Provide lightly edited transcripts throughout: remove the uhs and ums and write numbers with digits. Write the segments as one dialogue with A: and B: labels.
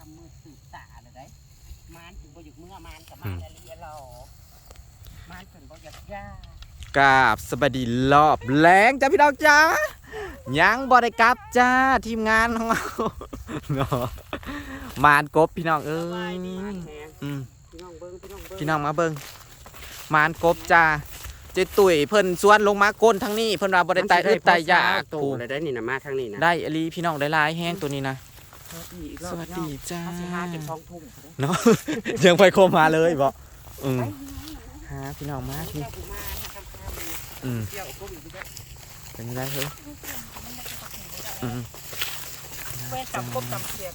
A: มือสืบตาเลยได้มานถึงบ่หยุดเมื่อมานกับมานอะไรหรอมานถึงบ่หยุดย่าก
B: ราบสวัสดีรอบแรงจ้าพี่น้องจ้ายังบ่ได้กลับจ้าทีมงานของเราเนาะมานกบพี่น้องเอ้ยพี่น้องมาเบิ่งมานกบจ้าเจ๊ตุ๋ยเพิ่นสวนลงมาก้นทั้งนี้เพิ่นว่าบ่ได้ไต่ไต่ยาก
A: ตูเลยได้นี่นะมาทางนี้นะ
B: ได้อลีพี่น้องได้ลายแห้งตัวนี้นะสวัสดีจ้าเนาะยังไปโคมาเลยบ่หาพี่น้องมาพี่เป็นไรเฮ้ย
A: เว้นจับกบจับเสียบ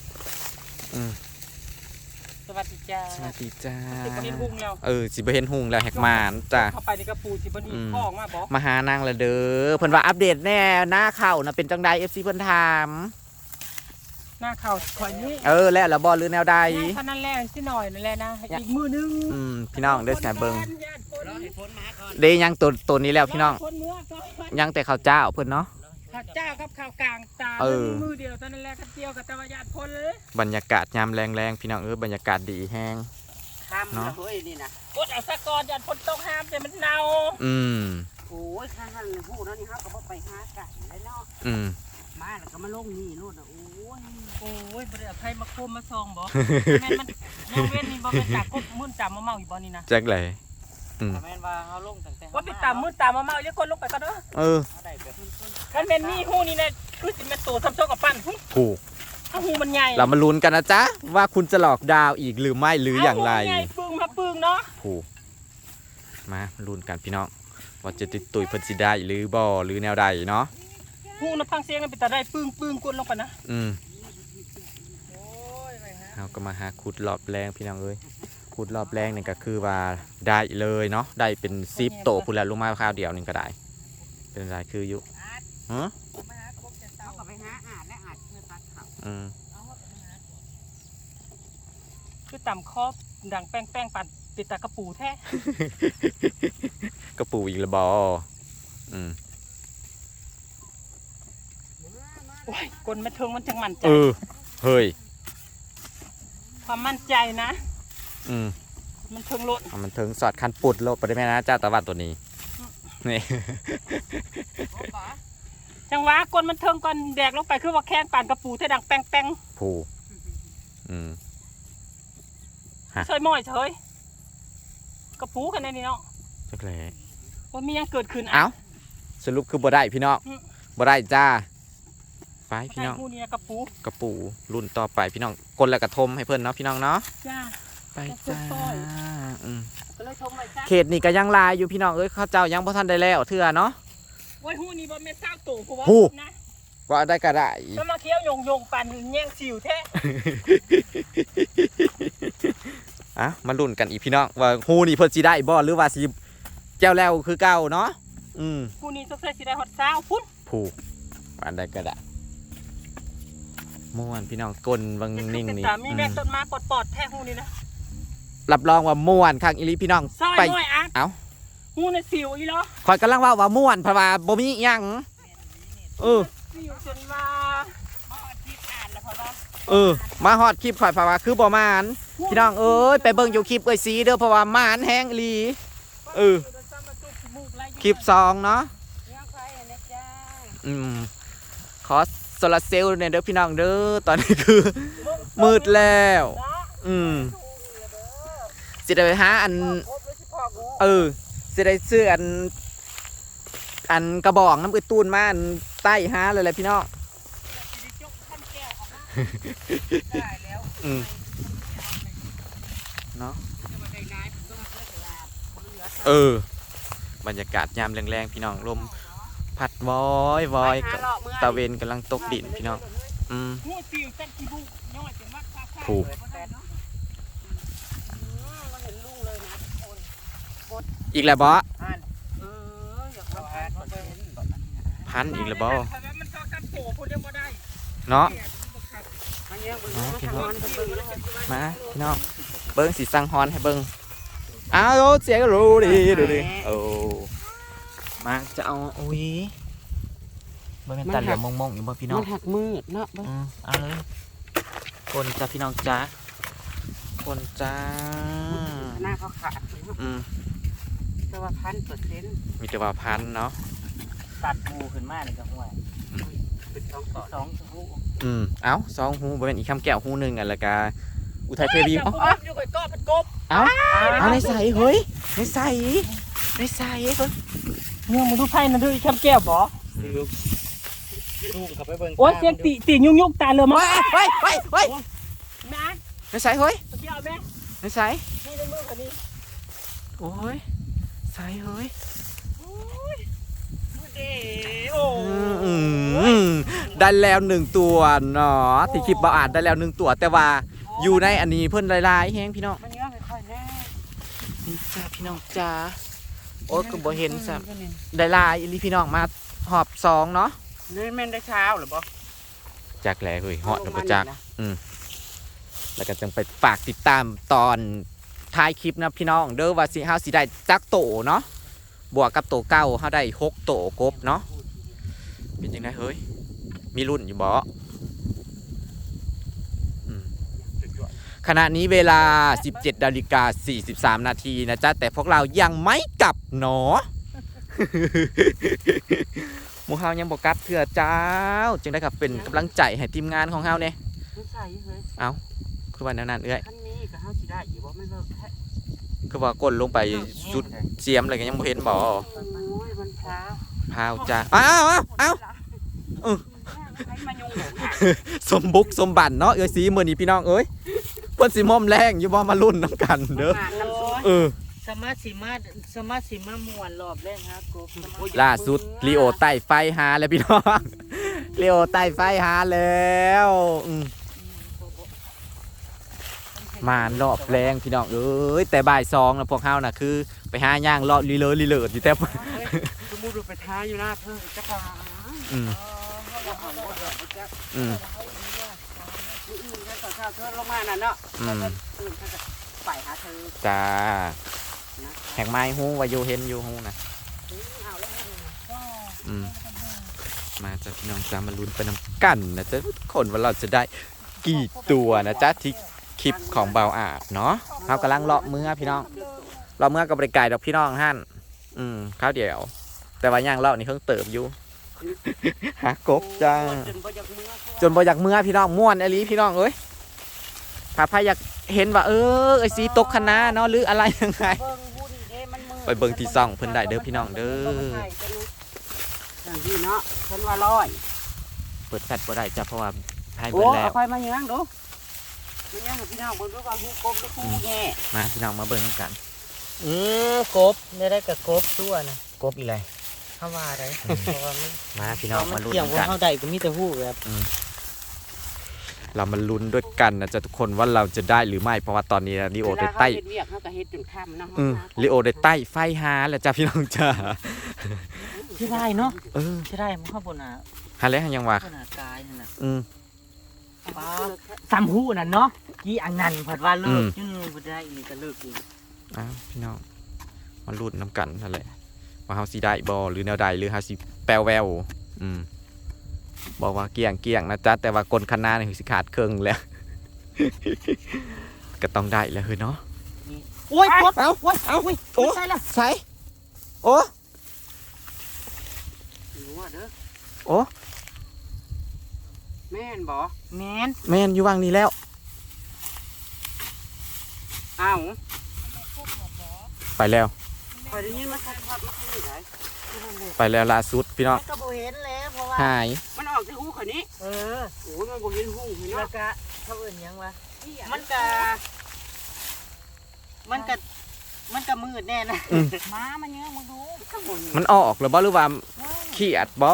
A: สวัสดีจ้า
B: สวัสดีจ้า
A: สิบเห็นหุงแล้ว
B: สิบเห็นหุงแล้วแหกมานจ้า
A: เข้าไปในกระปูสิบนี่พ่อออกมาบอก
B: มาหานางละเด้อเพิ่นว่าอัปเดตแน่หน้าเข่านะเป็นจังใด FC เพิ่นถาม
A: หน้าเข่าคอยนี้
B: แล้วละบ่หรือแนวใด
A: ท่านั้นแรกสิหน่อยนั่นแหละนะอีกมือนึง
B: พี่น้องเด้อแสบเบิ่งเด้ยังตัวนี้แล้วพี่น้องยังแต่ข้าวเจ้าเพิ่นเนาะ
A: ข้าวเจ้ากับข้าวกลางตามือเดียวตอนนั้นแรกข้าวเจียวกับตะวันญาติพ้นเลย
B: บรรยากาศยามแรงๆพี่น้องบรรยากาศดีแห้ง
A: เนาะเฮ้ยนี่นะกดเอาสะกอนญาติพ้นต้องห้ามแต่มันเน่าโอ้ยข้าหันหูนั่นนี่เขาก็ไปหาไก่แล้วเนาะมาแล้วก็มาลงนี่นู่นโอ้ยบริษัทไทยมาโคมมาซองบ่แม่มันน้องเว้นนี่บ่เป็นตากบมื่นตามมาเมาอยู่บ่นี่นะ
B: แจ็คเลย
A: แม่นว่าเขาลงตั้งแต่ว่าไปตามมื่นตามมาเมาเยอะคนลงไปก็เด้อคันเป็นนี่หูนี่นะคือสิเป็นตัวซ้ำซ้อนกับปั้น
B: ถูก
A: หูมันใหญ่
B: เรามาลุ้นกันนะจ๊ะว่าคุณจะหลอกดาวอีกหรือไม่หรืออย่างไร
A: ปึ้งมาปึ้งเนาะ
B: ถูกมาลุ้นกันพี่น้องว่าจะติดตุยพันธิได้หรือบ่หรือแนวใดเนาะ
A: หูนะพังเสียงมันเป็นแต่ได้ปึ้งปึ้งกวนลงไปนะ
B: เราก็มาหาขุดรอบแรงพี่น้องขุดรอบแรงนี่ก็คือว่าได้เลยเนาะได้เป็น10 โตพูดแล้วลงมาข้าวเดียวนึงก็ได้เป็นไรคืออยู่
A: คือต่ำคอบดังแป้งปั่นติดตากระปูแท้
B: กระปูอีกละบอ
A: โอ้ยกลไม่เทิงมันจังมั่นใจ
B: เฮ้ย
A: ความมั่นใจนะมันเทิงโลด
B: มันเทิงสอดคันปุดโลดไปได้ไหมนะเจ้าตะวันตัวนี้นี่
A: จังหวะกลมันเทิงก่อนแดกลงไปคือว่าแข้งปั่นกระปูแท้ดังแป้ง
B: ผู
A: เฉยม้อยเฉยกระปูกันในนี้เนาะ
B: จักเลย
A: ว่ามียังเกิดขึ้น
B: สรุปคือบ่ได้พี่น้องบ่ได้จ้าไปพี่น้อง
A: กระ
B: ปูรุ่นต่อไปพี่น้องกลแล้วกระทมให้เพื่อนเนาะพี่น้องเนาะไปจ้าเขตนี่ก็ยังลายอยู่พี่น้องข้าเจ้ายังพ่ทันได้แล้วเถื่อเนาะ
A: โอ้ยหูนี่บ่แม่นเศร้าตู่เพราะว่านะ
B: ว่าได้ก็ได้
A: ถ้ามาเคี้ยวยงปั่นแย่งสิวแท้
B: มาลุ้นกันอีกพี่น้องว่าหูนี่เพิ่นสิได้บ่หรือว่าสิแก้วแล้วคือเก่าเนาะ
A: หูนี่สักสิได้ฮอด20พุ่น
B: ผูกอันใดก็ได้ม่วนพี่น้องกลวังนิ่งนี่
A: มีแม่ต้นมาปอดแท้หูนี่นะ
B: รับรองว่าม่วนคักอีหลีพี่น้อง
A: ไปเอ้าหูในสิวอีหรอ
B: ข่อยกำลังว่าม่วนเพราะว่าบ่มีหยัง
A: สิวจนว่ามาฮอดคลิปอ่านแล้วเพราะ
B: ว่ามาฮอดคลิปข่อยเพราะว่าคือบ่มานพี่น้องไปเบิ่งอยู่คลิปสีเด้อเพราะว่ามานแห้งอีหลีคลิป2เนาะขอโซลาเซลล์เนี่ยเด้อพี่น้องเด้อตอนนี้คือมืดแล้วสิได้ไปหาสิได้ซื้ออันกระบอกน้ำตูนมาอันใต้หาเลยแหละพี่น้องเนาะบรรยากาศยามแรงๆพี่น้องลมผัดวอยตะเวนกำลังตกดินพี่น้องผูกอีกแล้วบอพันอีกแล้วบอเนาะพี่น้องมาพี่น้องเบิ้งสีสังฮอนให้เบิ้งเสียงรู้ดีดูดิมาจะเอามันเป็นตาเหลี่ยมมองๆอยู่บ่พี่น้อง
A: มันหักมืดเนาะ
B: เอาเลยคนจ้าพี่น้องจ้าคนจ้า
A: หน้าเขาขาด แต่ว่า1,000%
B: มีแต่ว่าพันเนาะ
C: ตัดหูขึ้นมานี่ก็ห่วย
A: เป็น2ต่อ
C: สองหู
B: เอ้าสองหูบ่เป็นอีกคำแก้วหูหนึ่งอันละกาอุทัยเทวี
C: อ๋ออยู่กับก้อนเป็นกบ
B: เอาในใส่เฮ้ยในใส่เฮ้ย
C: เนี่ยมึงดูไพ่นั่นดูอีกคำแก้วบ่
A: ลูกเขาไปเบิ่ง
C: โอ้ยเสียงตียุ่งตาเลยมั้ง
B: เฮ้ย
C: แม่
B: ในใส่เฮ้ย
C: เกี่ยวแม่
B: ในใส่
C: นี่ในมือคนนี้
B: โอ้ยใส่เฮ้ย
C: เด้โอ้
B: ได้แล้ว1ตัวเนาะที่คลิปบ่อาจได้แล้ว1ตัวแต่ว่าอยู่ในอันนี้เพิ่นลายๆแฮงพี่น้อง
A: มันเยอะค่อยๆแน่
B: นี่จ้าพี่น้องจ้าโอ้ยก็บ่เห็นซ้ำได้ลายอีหลีพี่น้องมาหอบ2เนาะ
A: นี่แม่นได้เช้าหรือบ่
B: จักแลเฮ้ยฮอดแล้วบ่จักแล้วก็จังไปฝากติดตามตอนท้ายคลิปนะพี่น้องเด้อว่าสิเฮาสิได้จักโตเนาะบวกกับโตเก่าเฮาได้6โตกบเนาะเป็นจังได๋เฮ้ยมีรุ่นอยู่บ่ขณะนี้เวลา 17:43 นาทีนะจ๊ะแต่พวกเรายังไม่กลับเนาะ หมู่เฮายังบ่กลับเถื่อเจ้าจึงได้ครับเป็นกำลังใจให้ทีมงานของเฮาเนี่ย
A: ไม่ใส่เฮ้ย
B: คือว่าแนวนั้นเอ้ย
A: คันนี้ก็เฮาสิได้อยู่บ่มันเลิกแท้
B: คือว่ากดลงไปสุดเสียมอะไรก็ยังบ่เห็นบ่
A: โอ้ยมันพร้าว
B: พาวจ้าอ้าว
A: ให้มายุงหนู
B: สมบุกสมบันเนาะเอ้ยสีมื้อนี้พี่น้องเอ้ยเพิ่นสิม่อมแรงอยู่บ่มาลุ้นนํกันเด้อ
C: สมาสิมาม่วนรอบแรกฮะกบ
B: ล่าสุดลีโอใต้ไฟหาแล้วพี่น้องลีโอใต้ไฟหาแล้วมารอบแรงพี่น้องเอ้ยแต่บ่าย2นะพวกเฮาน่ะคือไปหาย่างเลาะลีเลอลีเลิศอยู่แต่
A: สมมุติไปท้าอยู่หน้าเพิ่นจักว่าเช้าเธอลงมาน่ะเนาะตื่นเธอก็ไปหาเธอ
B: จ้าแหกไม้ฮู้ว่าอยู่เห็นอยู่ฮู้นะมาจากพี่น้องจ้ามาลุ้นไปนำกันนะจ๊ะทุกคนว่าเราจะได้กี่ตัวนะจ๊ะที่คลิปของเบาอาดเนาะเรากำลังเลาะเมื่อพี่น้องเลาะเมื่อกับบริการดอกพี่น้องฮั่นข้าวเดียวแต่ว่าย่างเลาะนี่เพิ่งเติบอยู่ หากบจ้าจนบ่อยากเมื่อพี่น้องม่วนอลีพี่น้องเอ้ยถ้าใครอยากเห็นว่าไอ้สีตกคณะเนาะหรืออะไรยังไงไปเบิ่งที่ซ่องเพิ่นได้เด้อพี่น้องเด้อ
A: อย่างที่เนาะเพิ่นว่าร้อย
B: เปิดแฟลชบ่ได้จ้ะเพราะว่าให้
A: โอ้
B: เบิ่งแล้
A: เอา
B: ว
A: ไฟมาย่างดูมาย่างกับพี่น้องเบิ่งดูว่าฮู้กบหรือฮู้แง่
B: มาพี่น้องมาเบิ่งกัน
C: กบได้กับกบตัวนะ
B: กบอีไร
C: เข้ามาได้เพราะว่ามัน
B: มาพี่น้องมาลุ้น
C: เกี่ยว
B: กัน
C: ว่าเข้าได้ก็มีแต่หูแบบ
B: เรามาลุ้นด้วยกันนะจ๊ะทุกคนว่าเราจะได้หรือไม่เพราะว่าตอนนี้ลีโอได้ใต้
A: เฮ็ดเวียกเฮาก็เฮ็ดจนค่ำเนาะ
B: ลีโอได้ใต้ไฟหาแล้วจ้ะพี่น้องจ้า
C: ที่ได้เนาะที่ได้มันเข้าบนอ่ะ
B: หาแล้วยังว่า
C: บนกายนั่นน่ะ
A: ป้า
C: ซ้ำหูนั่นเนาะกี่อันนั้นผัดว่าเลิกจนบ่ได้อีกก็เลิกอีก
B: อ้าวพี่น้องมาลุ้นน้ำกันนั่นแหละว่าเฮาสิได้บ่หรือแนวใดหรือเฮาสิแปลวแววบอกว่าเกี่ยงนะจ๊ะแต่ว่ากลคณะนี่สิขาดเครื่องแล้ว ก็ต้องได้แล้วเฮ้ยเนาะ
C: โอ้ยกด
B: เอา
C: โอ้ย
B: เอา
C: โอ้ยใช่ละ
B: ใส่โอ้
A: อยู่ว่าเด้อ
B: โอ้
A: แม่นบ่
C: แมน
B: แม่นอยู่วางนี้แล้ว
A: อ้าว
B: ไปแล้ว
A: ข่อยได้ยินมันชัดๆมาข้างนี้ได้
B: ไปแล้วล่าสุดพี่น้อง
C: ก็บ่เห็นแล้วเพราะว่า
B: หาย
A: มันออกที่หูข่อยนี้โอ้ยมันบ่เห็นหูเห็น
C: แล้ว
A: เนาะ
C: ก็เขาเอิ้นหยังวะ
A: มันก็
C: มืดแน่นะ
A: ม้ามันเยอะมึงดูข้างบน
B: มันออกหรือบ่หรือว่าขี้อัดบ่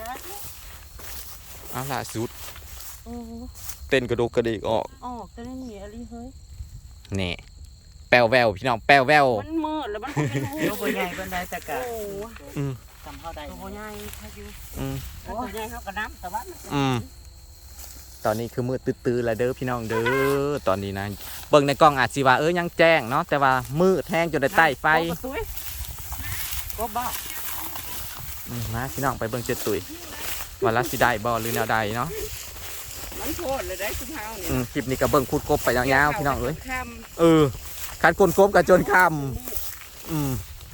B: เอาล่าสุดเต้นกระดูกกระดิกออก
A: แต่นี่มีอะไรเฮ้ย
B: นี่แปลวแววพี่น้องแปลวแวว
A: มันมืดแล้วมันบ่เป็นหู
C: ตัวบ่ใหญ่ปานใดแต่ก็
A: โอ้
C: จำเฮาได้
A: ตัวใหญ่ถ้าอยู่
B: อืม
A: ตัวใหญ่เฮาก็น้ำแต่ว่ามัน
B: ตอนนี้คือมืดตื้อๆแล้วเด้อพี่น้องเด้อตอนนี้นะเบิ่งในกล้องอาจสิว่ายังแจ้งเนาะแต่ว่ามืดแห้งจนได้ใต้ไฟ
A: ก็บ้า
B: มาพี่น้องไปเบิ่งเจ็ดตุยว่าละสิได้บ่หรือแนวใดเนาะ
A: มันโคตรเลยได้คุณเฮาเนี่ย
B: คลิปนี้ก็เบิ่งคุดกบไปยาวๆพี่น้องเอ้ย
A: ค่
B: คันกลกบกับจนคำ
C: โอ้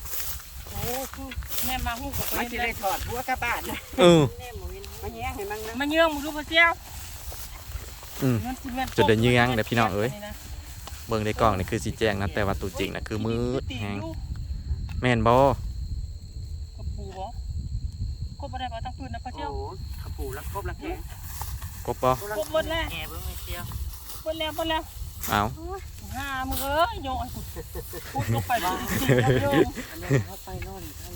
C: แม่มาหู้กับ
A: ำมันจะได้ถอดหัวกระบาดนะ
C: แม่หมูวิน
A: มันแย่งเห็นมั้งนะ
C: มาเยื่องมึงดูพระเจ้า
B: จุดเดินยื้องเด้อพี่น้องเอ้ยเบิ่งในกล้องนี่คือสีแจ้งนะแต่ว่าตัวจริงนะคือมืดแฮงแม่นบ่
C: กบปูบ่กบอะไรบ่ตั้งปืนนะพระ
A: โอ้
C: เจ้า
A: ขปูแล้วครบแล้วแก
B: กบบ่
C: กบหมดแล้ว
A: แกเบิ่งไม่เชียว
C: หมดแล้ว
B: เอา
C: ห้ามึงเอ้ยโยนพูดลงไปบ้างโยน
A: อันนี้เขาไปนอนท่าน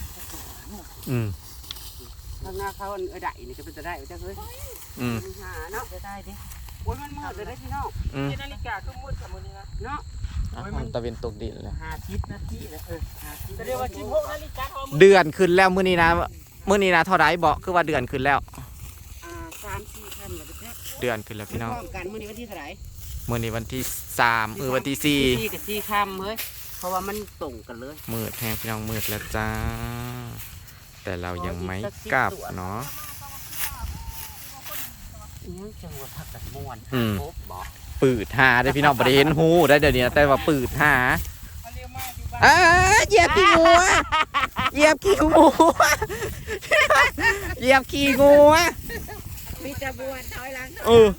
A: ข้างหน้าเขาได้นี่ก็เป็นจะได้จ้ะเฮ้ยหาเนาะจะได้ดิโอ้ยมันมืดเลยได้พี่น้อง
C: นาฬิกาคือมืดกับมือนี้นะ
A: เนาะ
B: ตะเวนตกดินแล้ว
A: 50 นาทีนะ50
C: จะเรียกว่า16 นาฬิกาทอม
B: เดือนขึ้นแล้วมื้อนี้นะเท่าไหร่บ่คือว่าเดือนขึ้นแล้ว
A: 3-4 ค่ำแล้วแจ๊
B: เดือนขึ้นแล้วพี่น้อง
A: พร้อมกันมื้อนี้วันที่เท่าไหร่
B: มื้อนี้วันที่3วันที่
A: 4กับ4ค่ำเฮ้ยเพราะว่ามันตรงกันเลย
B: 4มืดแฮงพี่น้องมืดแล้วจ้าแต่เรายังไม่กลับเนาะ
A: ยังจังหวะพักกันม่วนครบบ่
B: ปืดหาได้พี่น้องบ่ได้เห็นหูได้เดี๋ยวนี้นะแต่ว่าปืดหาเหยียบขี้งูเหยียบขี้งูเหยียบขี้งู
A: มีจะบวชถอยหลัง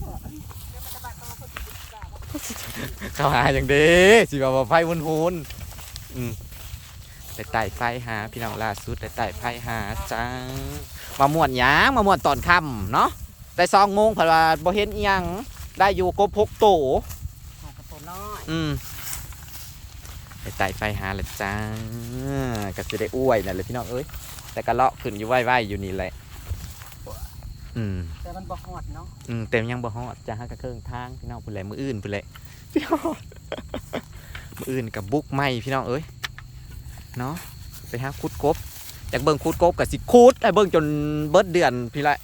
B: เข้าหาอย่างเด้สิว่าบ่ไฟหุนแต่ไต่ไฟหาพี่น้องล่าสุดแต่ไต่ไฟหาจังมาม่วนหยังมาม่วนตอนค่ำเนาะแต่2 โมงเพิ่นว่าบ่เห็นอีหยังได้อยู่กบ6 โต
A: กับตัวน้อย
B: ไปไต่ไฟหาละจ้าก็จะได้อ้วยนั่นเลยพี่น้องเอ้ยแต่ก็เลาะขึ้นอยู่ไหวๆอยู่นี่แหละ
A: แต่มันบ่ฮอดเนาะ
B: เต็มยังบ่ฮอดจ้าฮะกระเครื่องทางพี่น้องพุ่นแหละมืออื่นพุ่นแหละพี่น้องมืออื่นกับบุกไม้พี่น้องเอ้ยเนาะไปหาคุดกบอยากเบิ่งคุดกบกับสิคุดไอ้เบิ่งจนเบิดเดือนพี่ละ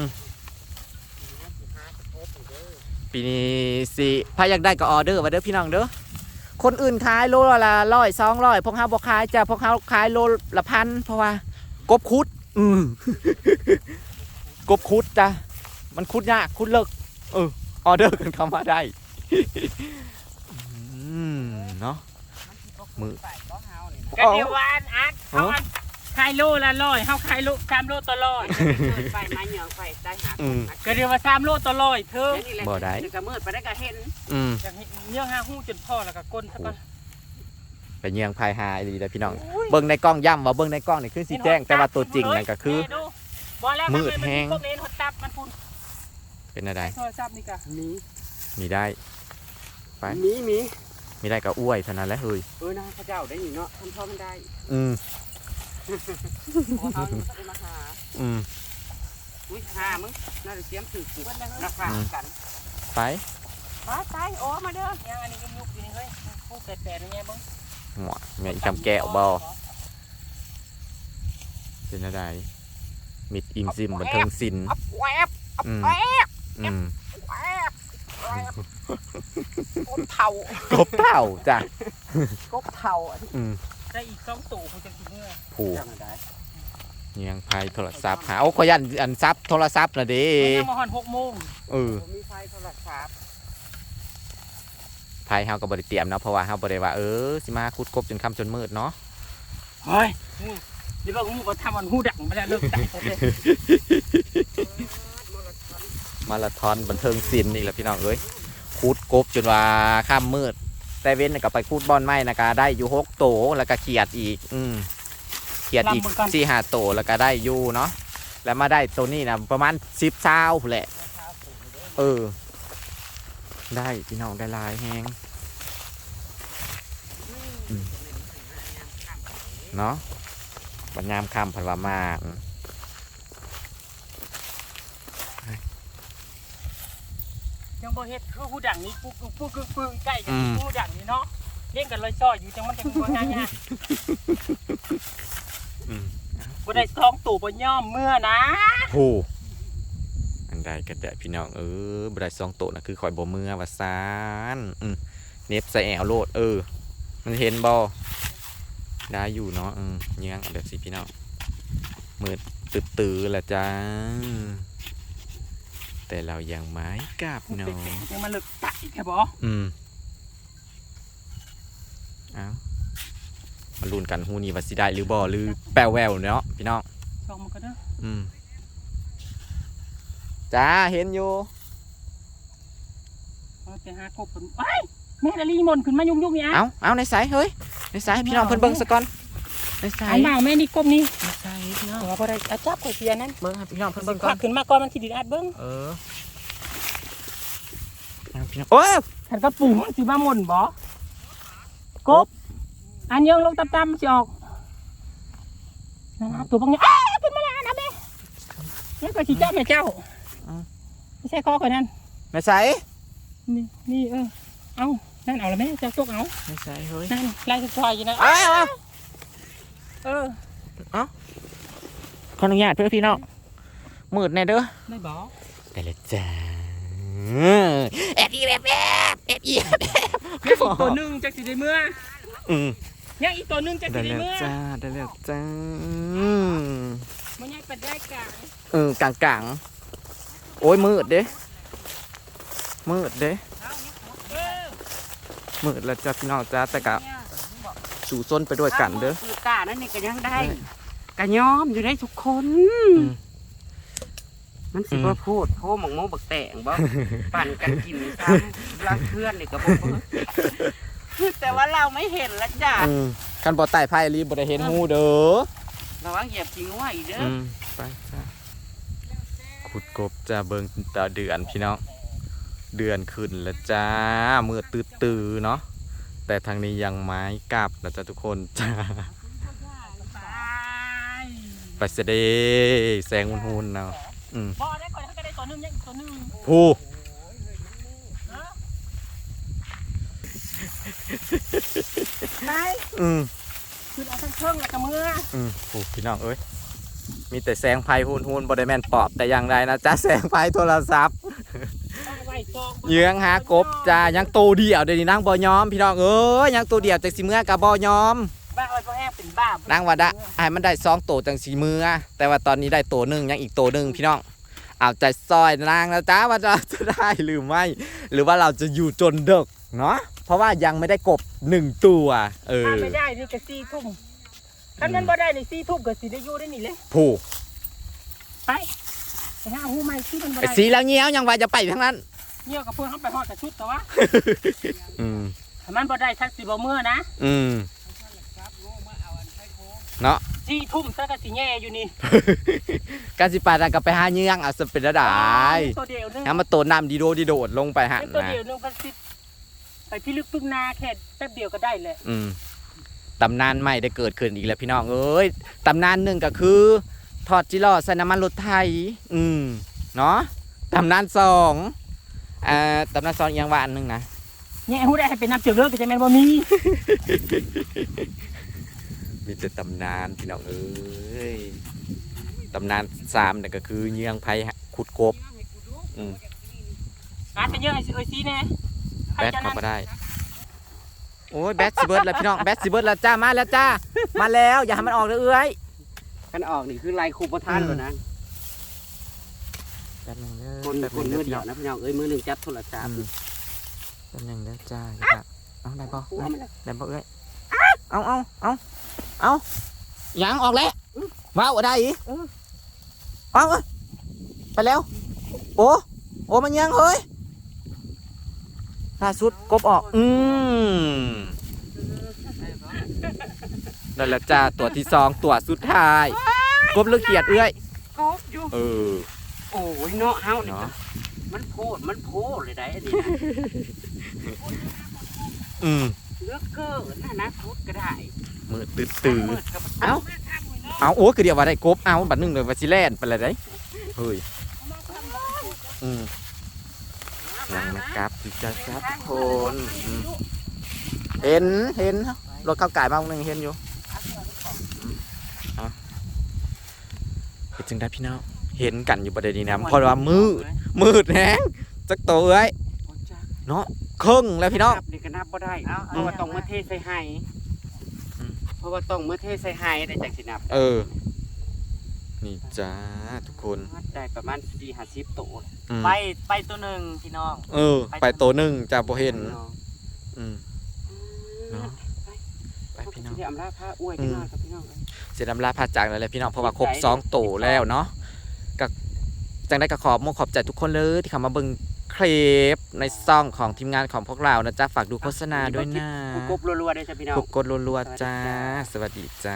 B: ปีนี้สิพาอยากได้ก็ออเดอร์มาเด้อพี่น้องเด้อคนอื่นขายโลละ100 200พวกเฮาบ่ขายจ้ะพวกเฮาขายโลละ1,000เพราะว่ากบคุดกบคุดจ้ะมันคุดยากคุดเลิกออเดอร์กันเข้ามาได้เนาะมือ
C: ก็เดียววานอัดเขาอัดขายโลละ100เฮาขายโล3 โลต่อ100
A: ไปมาเหยองไปได้หา
C: ก็เดียวว่า3 โลต่อ100เธอ
B: บ่ได้
A: ก็มืดไปได้ก็เห็น
C: อย่างเยื่องหาหู้จนพ่อแล้วก็ก้นซะก่อน
B: ไปเยียงพายหายดีเลยพี่น้องเบิ่งในกล้องย่ำว่าเบิ่งในกล้องนี่คือสีแจ้งแต่ว่าตัวจริงนั่นก็คือมืดแห้ง
C: พวกนี้หดตับมันพุ่น
B: เป็นอะไร
C: โทรศัพท์นี่ก็
B: มีได้ไป มีได้ก็อ้วยเท่านั้นแหละเฮ้ย
A: นะพระเจ้าได้อยู่เนาะทำพ่อมันได้ เขาได้มาหาอุ้ยหามึงน่าจะเตรียมถือกูราคากัน
B: ไป
A: ตายโอ้มาเด้อ
C: ยังอันนี้ก็ยุบอยู่นี่เฮ้ยผู้แปดๆนี่ไงบ้าง
B: หัวแม่อีกำแก้วบ่เป็นอะไรมิดอิมซิมบันเทิงศิลป์
A: แวบ
B: แวบ
A: กบเท่าก
B: บเต่าจ้ะ
A: กบเท่า
C: ได้อีก2 ตู่ผู้จะกินเมื่อ
B: ผูกเยียงพายโทรศัพท์หาขอยันอันซับโทรศัพท์นะเด้
C: ยังมาหอน6 โมง
A: มีไฟโทรศัพท์
B: พายเฮาก็บ่ได้เตรียมเนาะเพราะว่าเฮาบ่ได้ว่าสิมาคุดกบจนค่ำจนมืดเนาะ
C: เฮ้ยนี่ว่างูก็ทำมันหูดังไปแล้วเลิกดังเลย
B: มาราธอนบันเทิงศิลป์นี่แหละพี่น้องเอ้ยคุดกบจนว่าค่ำมืดแต่เว้นก็ไปคุดบอลไม้นะก็ได้อยู่6 โตแล้วก็เขียดอีกเขียดอีก4-5 โตแล้วก็ได้อยู่เนาะแล้วมาได้ตัวนี้นะประมาณ10 20แหละได้พี่น้องได้ลายแฮงเนาะบัญญามคำผันว่ามาก
C: ยังบ่เฮ็ดคือหูดังนี้ปุ๊กใกล้กันหูดังนี่เนาะเล่นกันเลยซอยอยู่จังมันจังบ่ง่ายๆบ่ได้2 ตู่บ่ย่อมเมื่อนะ
B: โอ้อันใดก็ได้พี่น้องบ่ได้2 โตนะคือคอยบ่มือว่าซานเน็บใส่แอวโลดมันเห็นบ่ได้อยู่เนาะเงี้ยงเดี๋ยวสิพี่น้องมืดตื้อๆแหละจ้าแต่เรายังไม้กลับเนาะ
C: ยังมาเลิกตัดอีกแค่บ่
B: เอามาลุ้นกันฮูนี่ว่าสิได้หรือบ่หรือแปลวแววเนาะพี่น้อง
C: ชองมันก็เด้อ
B: จ้าเห็นอยู่
C: ไปหากบผลไอ้แม่ละลีมนขึ้นมายุ่งๆนี่อ่ะ
B: เอาในสายเฮ้ยในสายพี่น้องเพิ่นเบิ่งซะก่อนในสาย
C: อันบ่าวแม่นี่กบนี่
B: ในสายพี่น้อง
C: หัวบ่ได้อาจับข่อยเสียนั่น
B: เบิ่งครับพี่น้องเพิ่น
C: เบิ่
B: เบิ่
C: ง
B: ง
C: ค
B: ก่อ
C: วัน กขึ้นมาก่อนมันสิไดอัดเบิ่ง
B: เอาพี่น้องโอ้ย
C: ฉันก็ปูมันสิมาหม่นบ่กบอันยังลงต่ำๆสิออกนั่นนะตัวบางอย่างขึ้นมาแล้วนะแม่นี่ก็สิจับแม่เจ้าไม่ใช่คอข่อยนั่น
B: ในสาย
C: นี่เอานั่นเอาละแม่เจ้าตกเอา
B: ในสายเฮ้ย
C: นั่นไล่สุดท้ายอยู่นะ
B: ขออนุญาตเพื่อพี่น้องมืดแน่เด้อ
C: ไม่บอก
B: ได้เลยจ้าแอบอีแบบแอบอี
C: ยังอีกตัวหนึ่งจากสิได้เมื่อยังอีกตัวหนึ่งจาก
B: ได้
C: สิได้
B: แล้ว
C: เมื่อ
B: จ้าได้แล้วจ้า
C: มันยังเป็นได้กลาง
B: กลางโอ้ยมืดเด้มืดเด้มืดแล้วจ้าพี่น้องจ้าแต่กะสู่ส้นไปด้วยกันเด้อ
A: คือกานั่นนี่ก็ยังได้กะย้อมอยู่ได้ทุกคนมันสิบ่พูดโทหมองโมบักแตงบ่ปั่นกันกินซ้ำรักเพื่อนนี่ก็บ่เบิ่งแต่ว่าเราไม่เห็นแล้วจ้ะ
B: คันบ่ไต่ไพ่รีบ่ได้เห็นหูเด้อ
A: ระวังเหยียบจริงว่าอีกเด้อ
B: ไปจ้าขุดกบจ้าเบิ่งตาเดือนพี่น้องเดือนขึ้นแล้วจ้ามืดตื้อๆเนาะแต่ทางนี้ยังไม้กลับนะจ้าทุกคนจ้าไปเสด็จแสงหุ่นๆเนาะ
C: พอได้ก่อนก็ได้ตัวหนึ่งยังอีกตัวหนึ่ง
B: ผู้
C: คือเอาทั้งเครื่องแล้วก็มือ
B: ผู้พี่น้องเอ้ยมีแต่แสงไฟหุ่นๆบ่ได้แม่นปอบแต่อย่างใดนะจ้าแสงไฟโทรศัพท์เยื้องหากบจ้ายังโตเดียวเดี๋ยวนี้นั่งบ่ยอมพี่น้องเอ้ยยังโตเดียวจังสิเมื่อกับบ่ยอม
C: บ้าไอ้พ่อแห้เป็นบ้า
B: นั่งว่าได้ให้มันได้2โตจังสิเมื่อแต่ว่าตอนนี้ได้โตหนึ่งยังอีกโตหนึ่งพี่น้องเอาใจซอยนางแล้วจ้าว่าจะได้หรือไม่หรือว่าเราจะอยู่จนดึกเนาะเพราะว่ายังไม่ได้กบ1ตัว
C: ไม่ได้นี่ก็4 ทุ่มถ้ามันบ่ได้ใน4 ทุ่มก็สิได้อยู่ได้นี่เลย
B: ผู้
C: ไปหาหูใหม่ที่มันบ่ได้
B: สีแล้วเงี้ยวยังว่าจะไปทั้งนั้น
C: เงี้ยวกับเพื่อนเขาไปฮอดกับชุดแต่ว่าถ้ามันบ่ได้ทักสิบ่เมื่อนะ
B: เนาะ
C: 4 ทุ่มซะก็สิแย่อยู่นี่
B: การสิปาดกับไปหาเงี้ยงเอาสเป็นระดับ
C: ตัวเดียวนึง
B: มาโตน้ำดีโดดลงไปหันนะ
C: ตัวเดียวนึงพันสิไปพี่ลึกพึ่งนาแค่แป๊บเดียวก็ได้เลย
B: ตำนานใหม่ได้เกิดขึ้นอีกแล้วพี่น้องเอ้ยตำนานหนึ่งก็คือทอดจิโร่ใส่น้ำมันรถไทยเนาะตำนาน2ตำนาน2อย่างว่าอันนึงนะ
C: เนี่ยหูได้ให้เป็นน้ำเจือกเลือดก็จะแม่นบ่มี
B: มีแต่ตำนานพี่น้องเอ้ยตำนาน3เนี่ยก็คือเยืองไผ่ขุดกบ
C: ไปเยอะไอ้ซีแน่
B: แบทเข้ามาได้โอ้ยแบทซิเบิร์ดแล้วพี่น้องแบทซิเบิร์ดแล้วจ้ามาแล้วจ้ามาแล้วอย่าให้มันออกเลยเอ้ย
A: กันออกนี่คือลายคูปท่านเลยนะคนมือเดียวนะพี่น้องเอ้ยมือหนึ่งจับโทรศัพท์
B: แป๊บนึงแล้วจ้าเอาได้ป่ะได้ป่ะเอ้ยเอายังออกแล้วว้าวได้อีกเอาไปแล้วโอ้มันยังเฮ้ยล่าสุดกบออกนั่นแหละจ้าตัวที่2ตัวสุดท้ายกบเลือกเขียดเอ้ย
A: กบอยู่โอ้ยเนาะเฮาเนี่ยมันโพดเลยได้อันนี้เลือกเกินนะพุดก็ได้
B: มือตื่นเอาโอ้คือเดียวว่าได้กบเอาบัดนึงเลยว่าสิแล่นไปเลยได้เฮ้ยยังนะครับจ้าทุกคนเห็นรถเข้าไก่มาหนึ่งเห็นอยู่เห็นจึงได้พี่น้องเห็นกันอยู่ประเด็นนี้นะเพราะว่ามืดแห้งจักโตเอ้ยเนาะครึ่งแล้วพี่น้อง
A: นี่ก็นับบ่ได้เพราะว่าต้องมาเทใส่ไห้เพราะว่าต้องมาเทใส่ไห้ได้จากสินับ
B: นี่จ้าทุกคน
A: ได้ประมาณ40-50ตัว
B: อืม
C: ไปตัวหนึ่งพี่น้อง
B: ไปตัวหนึ่งจะบ่เห็นอืมเนาะไปพี่น้อง
A: ที่อำลาผ้าอวยกันหน่อยครับพี่น้อง
B: เสียดำลาพาจากเลยแหละพี่น้องเพราะว่าครบ2ตัวแล้วเนาะก็จังได้ก็ขอบใจทุกคนเลยที่เข้ามาเบิ่งคลิปในซ่องของทีมงานของพวกเรานะจ๊ะฝากดูโฆษณาด้วยนะ
A: กบรัวๆได้จ้ะพี่น้อง
B: กดรัวๆจ้าสวัสดีจ้า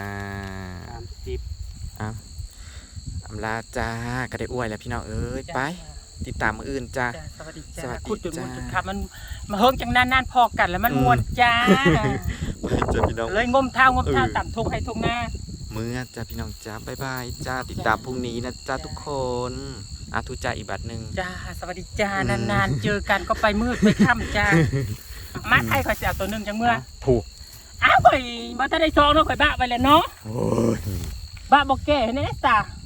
A: 30
B: อำลาจ้าก็ได้อวยแล้วพี่น้องเอ้ยไปติดตามมืออื่นจ้า
C: สวัสดี
B: ส
C: จ้า
B: วัสดี
C: ขุดจุด
B: จ้า
C: มุนจุดขับมันมาเฮิงจังนานๆพอกันแล้วมันมวนจ้า
B: จ้าพี่น้อง
C: เลยงมเท้างมเท้าต่ำทงให้ทงหน้า
B: เมื่อจ้าพี่น้องจ้าบ๊ายบายจ้าติดตามพรุ่งนี้นะจ้าทุกคนทุจ้าอีกบัตรหนึ่ง
C: จ้าสวัสดีจ้านานๆเจอกันก็ไปมืดไปค่ำจ้ามาไทยข่อยเสียตัวหนึ่งจังเมื่อ
B: ถูก
C: อ้าวข่อยมาถ้าได้ซองเนาะข่อยบ้าไปแล้วเนาะ
B: โอ้ย
C: บ้าบอกแก่เนี่ยจ้า